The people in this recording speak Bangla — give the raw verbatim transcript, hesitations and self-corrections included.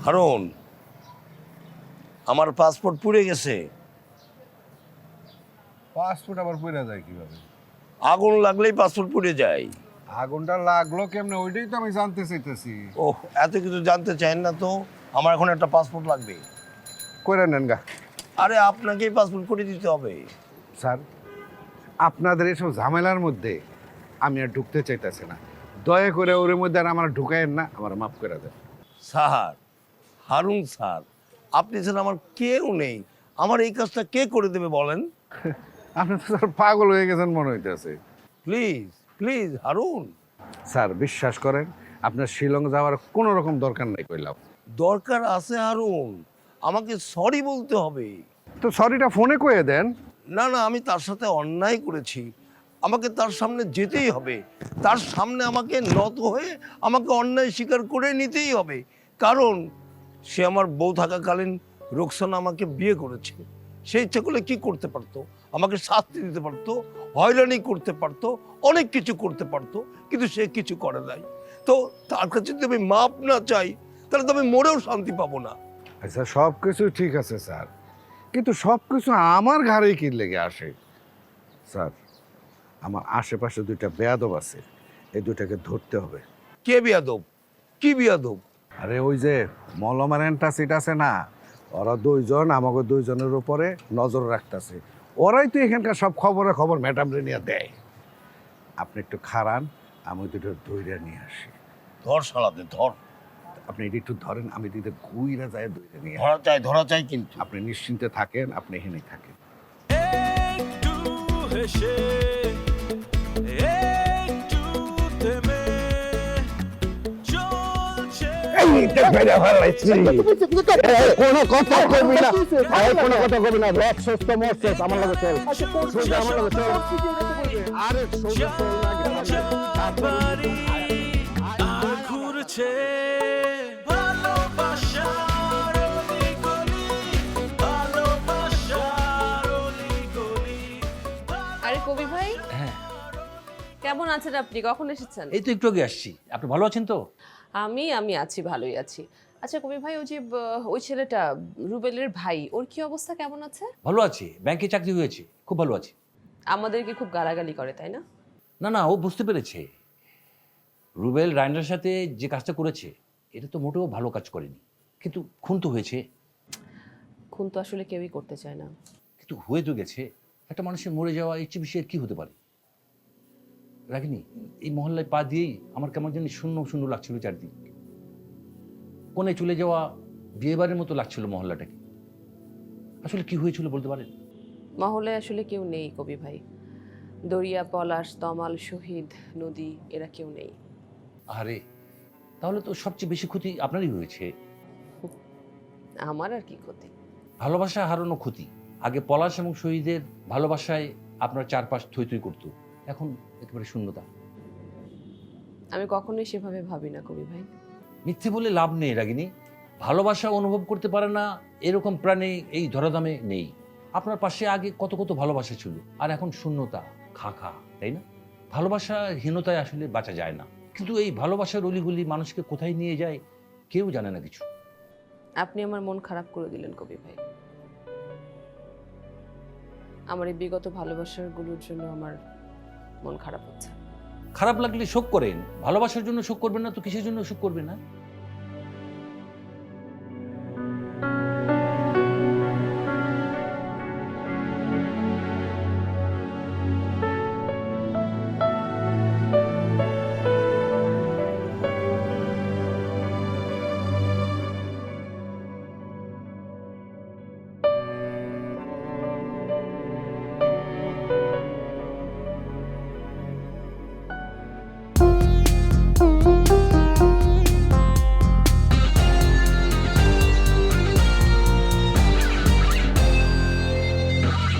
হারুন, আমার পাসপোর্ট পুড়ে গেছে। পাসপোর্ট আবার পুড়ে যায় কিভাবে? আগুন লাগলেই পাসপোর্ট পুড়ে যায়। আগুনটা লাগলো কেমনে ওইটাই তো আমি জানতে চাইতেছি। ওহ, এত কিছু জানতে চান না তো। আমার এখন একটা পাসপোর্ট লাগবে। কইরা নেন গা। আরে আপনাকেই পাসপোর্ট করে দিতে হবে। স্যার, আপনাদের এসব ঝামেলার মধ্যে আমি আর ঢুকতে চাইতেছি না। দয়া করে ওর মধ্যে আর আমার ঢুকায়েন না, আমার মাফ করে দেন। স্যার, হারুন স্যার, আপনি ছাড়া আমার কেউ নেই। আমার এই কাজটা কে করে দেবে বলেন? আপনি তো স্যার পাগল হয়ে গেছেন মনে হইতেছে। Please please Harun. স্যার বিশ্বাস করেন, আপনার শিলং যাওয়ার কোনো রকম দরকার নাই কইলাম। দরকার আছে হারুন, আমাকে সরি বলতে হবে। তো সরিটা ফোনে কয়ে দেন। না না, আমি তার সাথে অন্যায় করেছি, আমাকে তার সামনে যেতেই হবে। তার সামনে আমাকে নত হয়ে আমাকে অন্যায় স্বীকার করে নিতেই হবে। কারণ সে আমার বউ থাকাকালীন রোকসানা আমাকে বিয়ে করেছে। সে ইচ্ছা করলে কি করতে পারতো? আমাকে শাস্তি দিতে পারতো, হয়রানি করতে পারতো, অনেক কিছু করতে পারতো, কিন্তু সে কিছু করে নাই। তো তার কাছে যদি আমি মাপ না চাই, তাহলে তো আমি মরেও শান্তি পাবো না। আচ্ছা, সব কিছু ঠিক আছে স্যার, কিন্তু সব কিছু আমার ঘাড়েই কি লেগে আসে? স্যার, আমার আশেপাশে দুইটা বেয়াদব আছে, এই দুইটাকে ধরতে হবে। কে বিয়াদব? কি বিয়াদব? আরে ওই যে মলমার অ্যান্টাসিড আছে না, ওরা দুইজন আমাকে দুইজনের উপরে নজর রাখতেছে। ওরাই তো এখানকার সব খবরে খবর ম্যাডামরে নিয়ে দেয়। আপনি একটু খারান, আমি দুটো দইরা নিয়ে আসি। ধর শালাতে ধর। আপনি এটা একটু ধরেন, আমি দিতে গুইরা যায় দইরা নিয়ে আসি। ধরা চাই ধরা চাই কিন্তু। আপনি নিশ্চিন্তে থাকেন, আপনি এখানেই থাকেন। একটু হেসে একটু থেমে চলছে কোনো কথা কবি না, কোনো কথা কবি না। রক সুস্থ মরছিস, আমার লগে চল, সোজা আমার লগে চল। আরে সোজা চল না, বাড়ি আর ঘুরছে ভালোবাসার অলিগলি, ভালোবাসার অলিগলি। আরে কবি ভাই, হ্যাঁ, কেমন আছেন আপনি? কখন এসেছেন? এই তো একটু আগে আসছি। আপনি ভালো আছেন তো? আমি আমি আছি, ভালোই আছি। আচ্ছা কবি ভাই, ওই যে ব- ওই ছেলেটা রুবেলের ভাই, ওর কি অবস্থা, কেমন আছে? ভালো আছি, ব্যাংকে চাকরি হয়েছে, খুব ভালো আছি। আমাদেরকে খুব গালাগালি করে, তাই না? না না, ও বুঝতে পেরেছে রুবেল রায়নার সাথে যে কাজটা করেছে এটা তো মোটেও ভালো কাজ করেনি, কিন্তু খুন তো হয়েছে। খুন তো আসলে কেউই করতে চায় না। কিন্তু হয়ে তো গেছে। একটা মানুষের মরে যাওয়া এর চেয়ে বেশি আর কি হতে পারে? রাগিনি, এই মহল্লায় পা দিয়েই আমার কেমন জানি শূন্য শূন্য লাগছিল চারদিক। কোণে চলে যাওয়া বিয়েবারের মতো লাগছিল মহল্লাটাকে। আসলে কি হয়েছিল বলতে পারেন? মহলে আসলে কেউ নেই কবি ভাই। দরিয়া, পলাশ, তমাল, শহীদ, নদী, এরা কেউ নেই। আরে তাহলে তো সবচেয়ে বেশি ক্ষতি আপনারই হয়েছে। আমার আর কি ক্ষতি? ভালোবাসা হারানো ক্ষতি। আগে পলাশ এবং শহীদের ভালোবাসায় আপনার চারপাশ থই থই করতো, এখন একেবারে শূন্যতা। আমি কখনোই সেভাবে ভাবি না কবি ভাই। মিথ্যে বলে লাভ নেই রাগিনী। ভালোবাসা অনুভব করতে পারে না এরকম প্রাণী এই ধরাধামে নেই। আপনার পাশে আগে কত কত ভালোবাসা ছিল, আর এখন শূন্যতা, খা খা, তাই না? ভালোবাসাহীনতায় আসলে বাঁচা যায় না, কিন্তু এই ভালোবাসার অলিগুলি মানুষকে কোথায় নিয়ে যায় কেউ জানে না কিছু। আপনি আমার মন খারাপ করে দিলেন কবি ভাই। আমার এই বিগত ভালোবাসার গুলোর জন্য আমার মন খারাপ হচ্ছে। খারাপ লাগলে শোক করেন, ভালোবাসার জন্য শোক করবেন না তো কিসের জন্য শোক করবেন না?